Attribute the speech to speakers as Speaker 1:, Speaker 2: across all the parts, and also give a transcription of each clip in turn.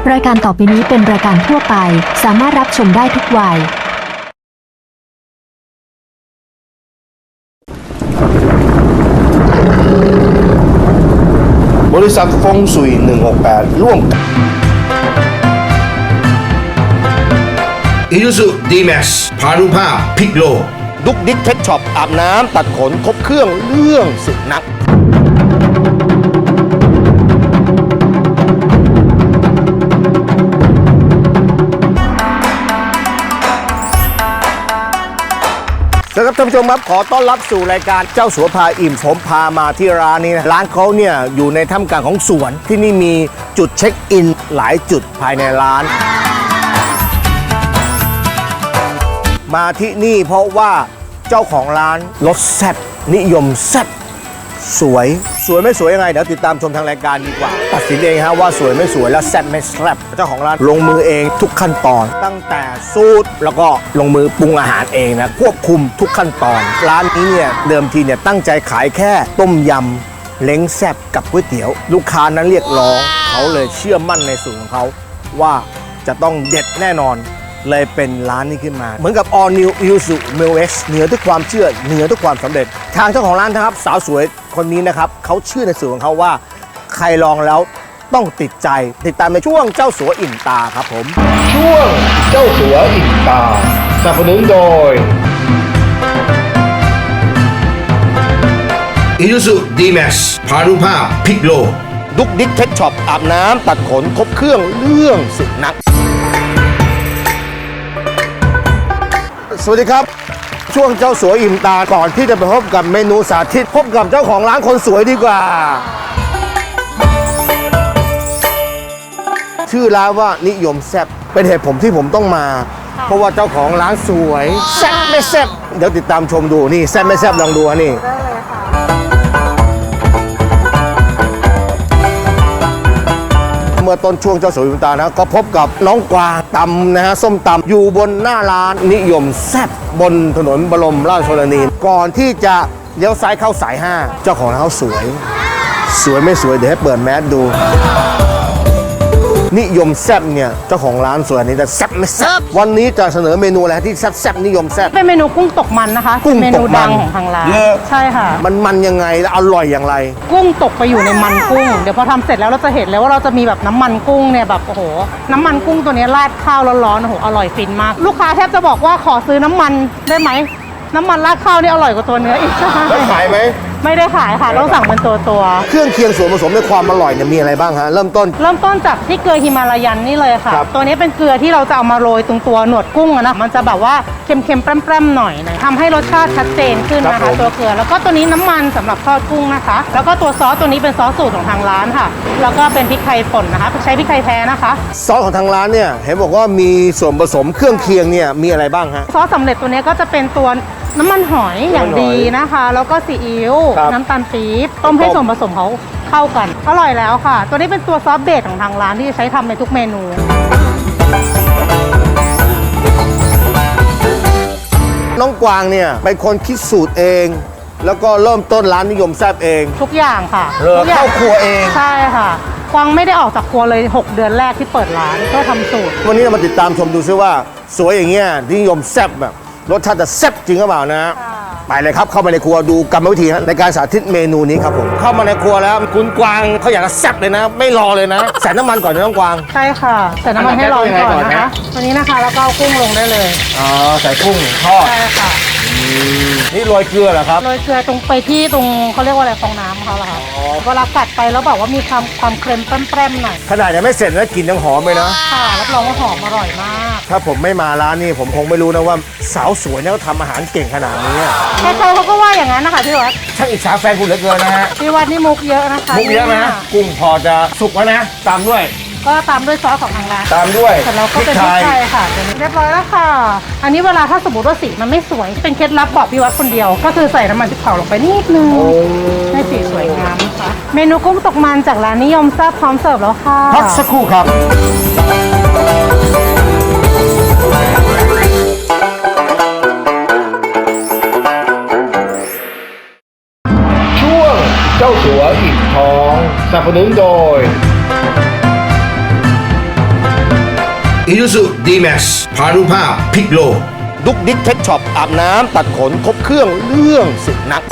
Speaker 1: รายการต่อไปนี้เป็นรายการทั่วไปสามารถรับชมได้ทุกวัย
Speaker 2: บริษัทฟงสุย168ร่วมกับอิซูซุดีแม็กซ์พานุภาพพิกโลดุกดิกเพชช็อปอาบน้ำตัดขนครบเครื่องเรื่องสุนัขสวัสดีครับท่านผู้ชมครับขอต้อนรับสู่รายการเจ้าสัวพาอิ่มผมพามาที่ร้านนี้นะร้านเขาเนี่ยอยู่ในท่ามกลางของสวนที่นี่มีจุดเช็คอินหลายจุดภายในร้านมาที่นี่เพราะว่าเจ้าของร้านรสแซ่บนิยมแซ่บสวยไม่สวยยังไงเดี๋ยวติดตามชมทางรายการดีกว่าตัดสินเองฮะว่าสวยไม่สวยและแซ่บไม่แซ่บเจ้าของร้านลงมือเองทุกขั้นตอนตั้งแต่สูตรแล้วก็ลงมือปรุงอาหารเองนะควบคุมทุกขั้นตอนร้านนี้เนี่ยเดิมทีเนี่ยตั้งใจขายแค่ต้มยำเล้งแซ่บกับก๋วยเตี๋ยวลูกค้านั้นเรียกร้องเขาเลยเชื่อมั่นในสูตรของเขาว่าจะต้องเด็ดแน่นอนเลยเป็นร้านนี้ขึ้นมาเหมือนกับ All New Isuzu Mil X เหนือทุกความเชื่อเหนือทุกความสำเร็จทางเจ้าของร้านนะครับสาวสวยคนนี้นะครับเขาเชื่อในสูตรของเขาว่าใครลองแล้วต้องติดใจติดตามในช่วงเจ้าสัวอิ่มตาครับผมช่วงเจ้าสัวอิ่มตาสนับสนุนโดย Isuzu D-Max พานุภาพพิกโลดุกดิกเพชช็อปอาบน้ำตัดขนครบเครื่องเรื่องสุนัขสวัสดีครับช่วงเจ้าสัวอิ่มตาก่อนที่จะไปพบกับเมนูสาธิตพบกับเจ้าของร้านคนสวยดีกว่าชื่อร้านว่านิยมแซ่บเป็นเหตุผมที่ผมต้องมาเพราะว่าเจ้าของร้านสวยแซ่บไม่แซ่บเดี๋ยวติดตามชมดูนี่แซ่บไม่แซ่บลองดูนี่เมื่อต้นช่วงเจ้าสัวอิ่มตานะก็พบกับน้องกวางตำนะฮะส้มตำอยู่บนหน้าร้านนิยมแซ่บบนถนนบรมราชชนนีก่อนที่จะเลี้ยวซ้ายเข้าสาย5เจ้าของร้านเขาสวยไม่สวยเดี๋ยวให้เปิดแมสดูนิยมแซ่บเนี่ยเจ้าของร้านสวยนี้แต่แซ่บไม่แซ่บวันนี้จะเสนอเมนูอะไรที่แซ่บนิยมแซ่บ
Speaker 3: เป็นเมนูกุ้งตกมันนะคะกุ้งเมนูดังของทางร้านใช่ค่ะ
Speaker 2: มันยังไงและอร่อยอย่างไร
Speaker 3: กุ้งตกไปอยู่ในมันกุ้งเดี๋ยวพอทำเสร็จแล้วเราจะเห็นเลยว่าเราจะมีแบบน้ำมันกุ้งเนี่ยแบบโอ้โหน้ำมันกุ้งตัวนี้ราดข้าวร้อนๆโอ้โหอร่อยฟินมากลูกค้าแทบจะบอกว่าขอซื้อน้ำมันได้ไหมน้ำมันราดข้าวนี่อร่อยกว่าตัวเนื้ออีกใช่
Speaker 2: แล้วขายไหม
Speaker 3: ไม่ได้ขายค่ะต้องสั่งเป็นตัว
Speaker 2: เครื่องเคียงส่วนผสมในความอร่อยเนี่ยมีอะไรบ้างฮะเริ่มต้น
Speaker 3: จากที่เกลือฮิมาลายันนี่เลยค่ะตัวนี้เป็นเกลือที่เราจะเอามาโรยตรงตัวหนวดกุ้งนะมันจะแบบว่าเค็มๆแปร่ๆหน่อยทำให้รสชาติชัดเจนขึ้นนะคะตัวเกลือแล้วก็ตัวนี้น้ำมันสำหรับทอดกุ้งนะคะแล้วก็ตัวซอสตัวนี้เป็นซอสสูตรของทางร้านค่ะแล้วก็เป็นพริกไทยป่นนะคะใช้พริกไทยแท้นะคะ
Speaker 2: ซอสของทางร้านเนี่ยเห็นบอกว่ามีส่วนผสมเครื่องเคียงเนี่ยมีอะไรบ้างฮะ
Speaker 3: ซอสสำเร็จตัวนี้ก็จะเป็นตัวน้ำมันหอยอย่างดีนะคะแล้วก็ซีอิ๊วน้ำตาลปี๊บต้มให้ส่วนผสมเขาเข้ากันอร่อยแล้วค่ะตัวนี้เป็นตัวซอสเบสของทางร้านที่ใช้ทำในทุกเมนู
Speaker 2: น้องกวางเนี่ยเป็นคนคิดสูตรเองแล้วก็เริ่มต้นร้านนิยมแซ่บเอง
Speaker 3: ทุกอย่างค่ะ
Speaker 2: ทุกอย่างเข้าครัวเอง
Speaker 3: ใช่ค่ะกวางไม่ได้ออกจากครัวเลย6เดือนแรกที่เปิดร้านก็ทำสูตร
Speaker 2: วันนี้เรามาติดตามชมดูซิว่าสวยอย่างเงี้ยนิยมแซ่บแบบรสชาติจะแซ่บจริงหรือเปล่านะไปเลยครับเข้ามาในครัวดูกรรมวิธีในการสาธิตเมนูนี้ครับผมเข้ามาในครัวแล้วคุณกวางเขาอยากจะแซ่บเลยนะไม่รอเลยนะใส่น้ำมันก่อนนะน้องกวาง
Speaker 3: ใช่ค่ะใส่น้ำมันให้ร้อนก่อนนะคะวันนี้นะคะแล้วก็เอากุ้งลงได้เลย
Speaker 2: อ๋อใส่กุ้งทอด
Speaker 3: ใช่ค่ะ
Speaker 2: นี่โรยเกลือเหรอครับ
Speaker 3: โรยเกลือตรงไปที่ตรงเขาเรียกว่าอะไรฟองน้ำเขาเหรอคะเวลากัดไปแล้วบอกว่ามีความเค็มแปร่ๆหน่อย
Speaker 2: ขนาดยังไม่เสร็จแล้วกลิ่นยังหอมเลยนะ
Speaker 3: ค่ะรับรองว่าหอมอร่อยมาก
Speaker 2: ถ้าผมไม่มาร้านนี้ผมคงไม่รู้นะว่าสาวสวยเนี่ยเขาทำอาหารเก่งขนาดนี้
Speaker 3: ใครเขาก็ว่าอย่างนั้นนะคะพี่วัด
Speaker 2: ช่างอิจฉาแฟนคุณเหลือเกินนะฮะ
Speaker 3: พี่วัดนี่มุกเยอะนะคะ
Speaker 2: มุกเยอะนะกุ้งพอจะสุกแล้วนะตามด้วย
Speaker 3: ก็ตามด้วยซอสของทางร้าน
Speaker 2: ตามด้วย
Speaker 3: แต่เราก็เป็นพริกไทยค่ะเรียบร้อยแล้วค่ะอันนี้เวลาถ้าสมมติว่าสีมันไม่สวยเป็นเคล็ดลับบอกพี่วัดคนเดียวก็คือใส่น้ำมันพริกเผาลงไปนิดนึงให้สีสวยงามนะคะเมนูกุ้งตกมันจากร้านนิยมแซ่บพร้อมเสิร์ฟแล้วค่ะ
Speaker 2: พักสักครู่ครับช่วงเจ้าสัวอิ่มท้องสนับสนุนโดย
Speaker 4: Isuzu D-Max พานุภาพพลิกโลก
Speaker 2: ดุกดิกเพชช็อปอาบน้ำตัดขนครบเครื่องเรื่องสุดนัก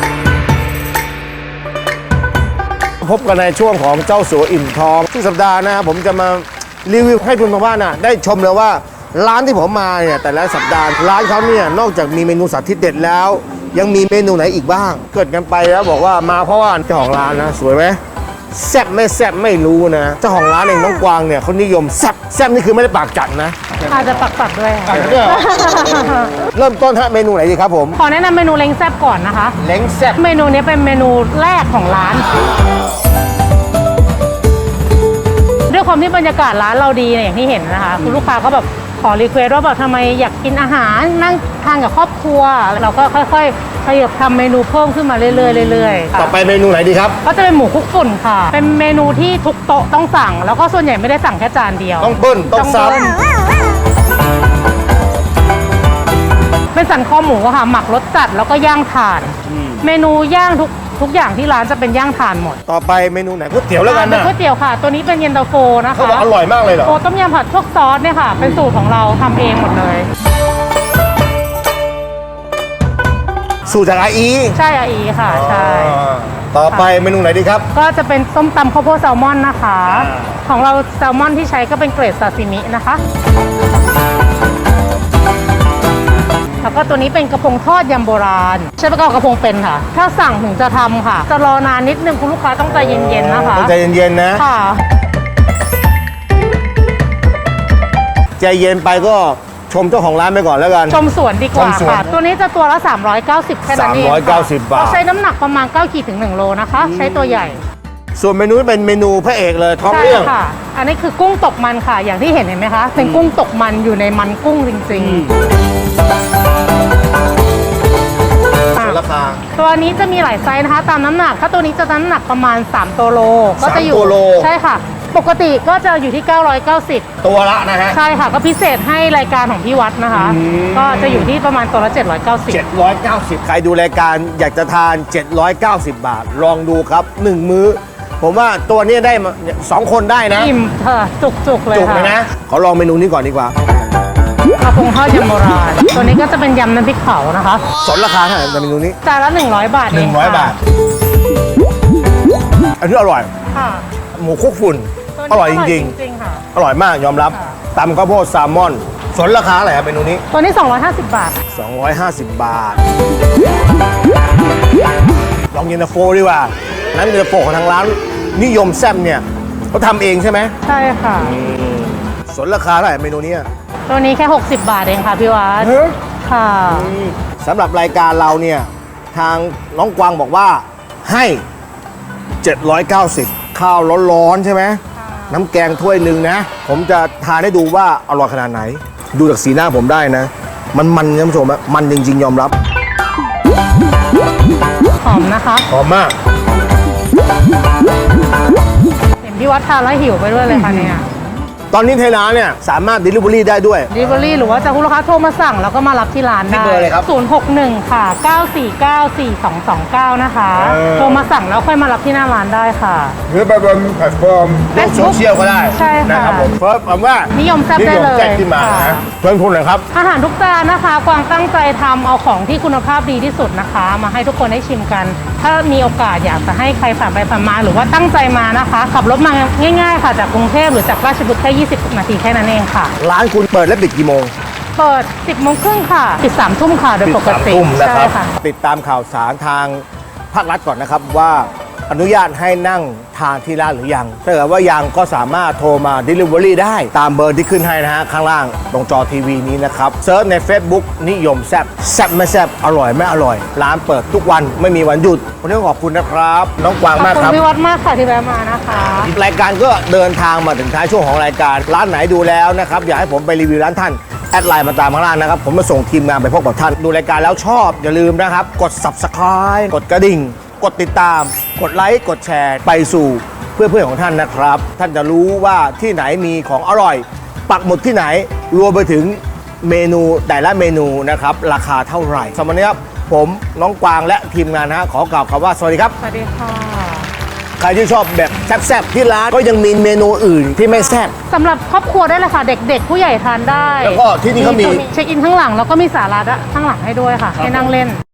Speaker 2: พบกันในช่วงของเจ้าสัวอิ่มทองทุกสัปดาห์นะครับผมจะมารีวิวให้คุณทางบ้านน่ะได้ชมเลยว่าร้านที่ผมมาเนี่ยแต่ละสัปดาห์ร้านเขาเนี่ยนอกจากมีเมนูสาธิตเด็ดแล้ว ยังมีเมนูไหนอีกบ้าง เกิดกันไปแล้วบอกว่ามาเพราะว่าเจ้าของร้านนะสวยไหมแซ่บไม่แซ่บไม่รู้นะเจ้าของร้านเองน้องกวางเนี่ยเขานิยมแซ่บแซ่บนี่คือไม่ได้ปากจัดนะ
Speaker 3: อาจจะปักๆด้วยค่ะ
Speaker 2: เริ่มต้นฮะเมนูไหนดีครับผม
Speaker 3: ขอแนะนำเมนูเล้งแซ่บก่อนนะคะ
Speaker 2: เล้งแซ่บ
Speaker 3: เมนูนี้เป็นเมนูแรกของร้าน ด้วยความที่บรรยากาศร้านเราดีเนี่ยอย่างที่เห็นนะคะคุณลูกค้าก็แบบขอรีเควสว่าแบบทำไมอยากกินอาหารนั่งทานกับครอบครัว เราก็ค่อยๆขยับทำเมนูเพิ่มขึ้นมาเรื่อยๆเรื่อยๆค่ะ
Speaker 2: ต่อไปเมนูไหนดีครับ
Speaker 3: ก็จะเป็นหมูคลุกฝุ่นค่ะ เป็นเมนูที่ทุกโต๊ะต้องสั่ง แล้วก็ส่วนใหญ่ไม่ได้สั่งแค่จานเดียว
Speaker 2: ต้องเบิ้ลต้องซ้
Speaker 3: เบิ้ลเป็นสันคอหมูอะค่ะหมักรสจัดแล้วก็ย่างถ่าน เมนูย่างทุกอย่างที่ร้านจะเป็นย่างถ่านหมด
Speaker 2: ำต่อไปเมนูไหนก๋วยเตี๋ยวแล้วกัน
Speaker 3: เป็น
Speaker 2: นะ
Speaker 3: ก๋วยเตี๋ยวค่ะ ตัวนี้เป็นเย็นตาโฟนะคะ
Speaker 2: เขาบอกอร่อยมากเลยเหรอ
Speaker 3: โฟต้มยำผัดพวกซอสเนี่ยค่ะ เป็นสูตรของเราทำเองหมดเลย
Speaker 2: สูตรจากอาอี
Speaker 3: ใช่อาอีค่ะ ใช่
Speaker 2: ต่อไปเมนูไหนดีครับ
Speaker 3: ก็จะเป็นส้มตำข้าวโพดแซลมอนนะคะ ของเราแซลมอนที่ใช้ก็เป็นเกรดซาซิมินะคะ แล้วก็ตัวนี้เป็นกระพงทอดยำโบราณ ใช้ประกอบกระพงเป็นค่ะ ถ้าสั่งถึงจะทำค่ะ จะรอนานนิดนึงคุณลูกค้าต้องใจเย็นๆนะคะ
Speaker 2: ต้องใจเย็นๆนะ
Speaker 3: ค่ะ
Speaker 2: ใจเย็นไปก็ชมเจ้าของร้านไปก่อนแล้วกัน
Speaker 3: ชมสวนดีกว่า
Speaker 2: ชมสวน
Speaker 3: ค่ะ ตัวนี้จะตัวละ 390 แค่นั้นเองค่ะ
Speaker 2: 390บาท
Speaker 3: เราใช้น้ำหนักประมาณ 9 ขีดถึง 1 โลนะคะ ใช้ตัวใหญ่
Speaker 2: ส่วนเมนูนี้เป็นเมนูพระเอกเลยท้อง
Speaker 3: ใช่
Speaker 2: เรื่อง
Speaker 3: ค่ะ อันนี้คือกุ้งตกมันค่ะ อย่างที่เห็นไหมคะ เป็นกุ้งตกมันอยู่ในมันกุ้งจริงๆ
Speaker 2: ส่วนราคา
Speaker 3: ตัวนี้จะมีหลายไซส์นะคะ ตามน้ำหนัก ถ้าตัวนี้จะน้ำหนักประมาณ 3 ตัวโล ก็จะอยู่
Speaker 2: 3ตัวโล
Speaker 3: ใช่ค่ะ ปกติก็จะอยู่ที่ 990
Speaker 2: ตัวละนะฮะ
Speaker 3: ใช่ค่ะ ก็พิเศษให้รายการของพี่วัดนะคะ ก็จะอยู่ที่ประมาณตัวละ 790
Speaker 2: 790 ใครดูรายการอยากจะทาน 790 บาท ลองดูครับ 1 มื้อ ผมว่าตัวนี้ได้มา2 คนได้นะ
Speaker 3: อิ่มเถอะจุกๆเลย
Speaker 2: จุก
Speaker 3: ค่ะ
Speaker 2: เลยนะ ขอลองเมนูนี้ก่อนดีกว่า
Speaker 3: กระพงทอดยำโบราณ ตัวนี้ก็จะเป็นยำน้ำพริกเผานะคะ
Speaker 2: สนราคาเท่าไหร่ในเมนูนี้
Speaker 3: จานละ 100 บาทเองค่ะ
Speaker 2: 100 บาท อันนี้อร่อย
Speaker 3: ค่ะ
Speaker 2: หมูคลุกฝุ่น
Speaker 3: ตัวนี้
Speaker 2: อร่อยจริง
Speaker 3: ๆค่ะ
Speaker 2: ๆ อร่อยมากยอมรับ
Speaker 3: ค่ะ
Speaker 2: ตำข้าวโพดแซลมอน สนราคาอะไรครับเมนูนี้
Speaker 3: ตัวนี้ 250 บาท
Speaker 2: 250 บาท ลองเย็นตาโฟดีกว่า นั้นเย็นตาโฟของทางร้านนิยมแซ่บเนี่ยเขาทำเองใช่ไหม
Speaker 3: ใช่ค่ะ
Speaker 2: สนราคาเท่าไหร่เมนูเนี้ย
Speaker 3: ตัวนี้แค่ 60 บาทเองค่ะพี่วัดค่ะ
Speaker 2: สำหรับรายการเราเนี่ย ทางน้องกวางบอกว่าให้ 790 ข้าวร้อนๆใช่ไหม น้ำแกงถ้วยหนึ่งนะ ผมจะทานให้ดูว่าอร่อยขนาดไหน ดูจากสีหน้าผมได้นะ มันท่านผู้ชมอะมันจริงๆ ยอมรับ
Speaker 3: หอมนะคะ
Speaker 2: หอมมาก
Speaker 3: เห็นพี่วัดทานแล้วหิวไปด้วยเลยค่ะเนี่ย
Speaker 2: ตอนนี้ไทยร้านเนี่ยสามารถ Delivery ได้ด้วย
Speaker 3: Delivery หรือว่าจะคุณลูกค้าโทรมาสั่งแล้วก็มารับที่ร้าน
Speaker 2: ที่
Speaker 3: ได้
Speaker 2: เบอร์อะไรครับ
Speaker 3: 061 ค่ะ 9494229 นะคะ โทรมาสั่งแล้วค่อยมารับที่หน้าร้านได้ค่ะ
Speaker 4: หรือไปบนแพลตฟอร์ม
Speaker 2: โลกโซเชียลก็ได้
Speaker 3: ใช่ค่ะ
Speaker 2: นะครับผมเฟิร์สผมว่า
Speaker 3: นิ
Speaker 2: นิ
Speaker 3: ยมแซ่บได้เลย
Speaker 2: แซ่บขึ้นมา
Speaker 3: ค่ะ
Speaker 2: นะเพิ่มทุนหน่อยครับ
Speaker 3: อาหารทุกจานนะคะ กวางตั้งใจทำเอาของที่คุณภาพดีที่สุดนะคะ มาให้ทุกคนได้ชิมกัน ถ้ามีโอกาสอยากจะให้ใครผ่านไปผ่านมา หรือว่าตั้งใจมานะคะ ขับรถมาง่ายๆค่ะ จากกรุงเทพหรือจากราชบุรีแค่20 นาทีแค่นั้นเองค่ะ
Speaker 2: ร้านคุณเปิดและปิดกี่โมง
Speaker 3: เปิด 10 โมงครึ่งค่ะปิด 3 ทุ่มค่ะ โดยปกติ
Speaker 2: ปิด3 ทุ่มนะครับ
Speaker 3: ใช่ค่ะ
Speaker 2: ติดตามข่าวสารทางภาครัฐก่อนนะครับว่าอนุญาตให้นั่งทานที่ร้านหรือยัง ถ้าเกิดว่ายังก็สามารถโทรมา Delivery ได้ตามเบอร์ที่ขึ้นให้นะฮะข้างล่างตรงจอทีวีนี้นะครับเซิร์ชใน Facebook นิยมแซ่บแซ่บไม่แซ่บอร่อยไม่อร่อย ร้านเปิดทุกวันไม่มีวันหยุดวันนี้ขอบคุณนะครับ น้องกวาง
Speaker 3: ขอบ
Speaker 2: มาก
Speaker 3: คุ
Speaker 2: ครับ
Speaker 3: ณพี่วัดมากค่ะที่แวะมานะคะ
Speaker 2: รายการก็เดินทางมาถึงท้ายช่วงของรายการร้านไหนดูแล้วนะครับอยากให้ผมไปรีวิวร้านท่านแอดไลน์มาตามข้างล่างนะครับผมมาส่งทีมงานไปพบกับท่านดูรายการแล้วชอบอย่าลืมนะครับกด Subscribe กดกระดิ่ง กดติดตาม กดไลค์กดแชร์ไปสู่เพื่อนๆของท่านนะครับ ท่านจะรู้ว่าที่ไหนมีของอร่อย ปักหมุดที่ไหนรวมไปถึงเมนูแต่ละเมนูนะครับราคาเท่าไหร่สำหรับวันนี้ครับผมน้องกวางและทีมงานนะฮะขอกล่าวคำว่าสวัสดีครับ
Speaker 3: สวัสดีค่ะ
Speaker 2: ใครที่ชอบแบบแซ่บๆที่ร้านก็ยังมีเมนูอื่นที่ไม่แซ่บ
Speaker 3: สำหรับครอบครัวได้เลยค่ะ เด็กๆ ผู้ใหญ่ทานได้
Speaker 2: แล้วก็ที่นี่เขามี
Speaker 3: เช็คอินข้างหลังแล้วก็มีศาลาข้างหลังให้ด้วยค่ะ ให้นั่งเล่น